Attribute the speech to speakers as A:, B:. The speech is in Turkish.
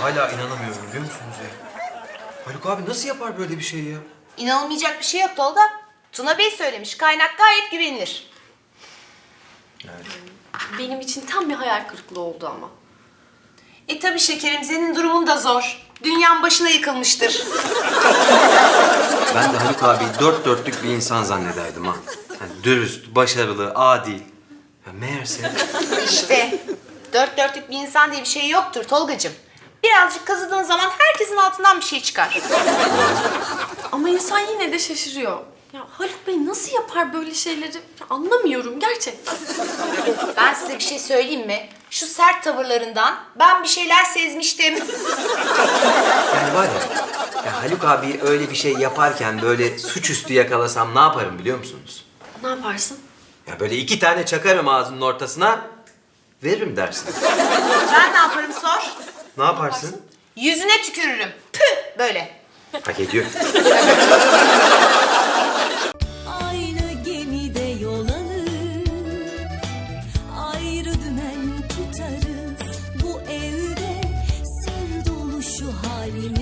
A: hala inanamıyorum biliyor musunuz ya? Haluk abi nasıl yapar böyle bir şey ya?
B: İnanılmayacak bir şey yok Tolga. Tuna Bey söylemiş. Kaynak gayet güvenilir.
C: Benim için tam bir hayal kırıklığı oldu ama.
B: Tabii şekerim, senin durumun da zor. Dünyanın başına yıkılmıştır.
A: Ben de Haluk abi dört dörtlük bir insan zannederdim ha. Yani dürüst, başarılı, adil. Ya meğerse...
B: İşte dört dörtlük bir insan diye bir şey yoktur Tolgacığım. Birazcık kazıdığın zaman herkesin altından bir şey çıkar.
C: Ama insan yine de şaşırıyor. Ya Haluk Bey nasıl yapar böyle şeyleri? Ya anlamıyorum gerçekten.
B: Ben size bir şey söyleyeyim mi? Şu sert tavırlarından ben bir şeyler sezmiştim.
A: Yani var ya Haluk abi öyle bir şey yaparken böyle suçüstü yakalasam ne yaparım biliyor musunuz?
C: Ne yaparsın?
A: Ya böyle 2 tane çakarım ağzının ortasına, veririm dersin.
B: Ben ne yaparım sor?
A: Ne yaparsın?
B: Yüzüne tükürürüm. Püh böyle.
A: Hak ediyor.
D: Aynı gemide yol alır, ayrı dümen tutarız. Bu evde sır dolu şu halimiz.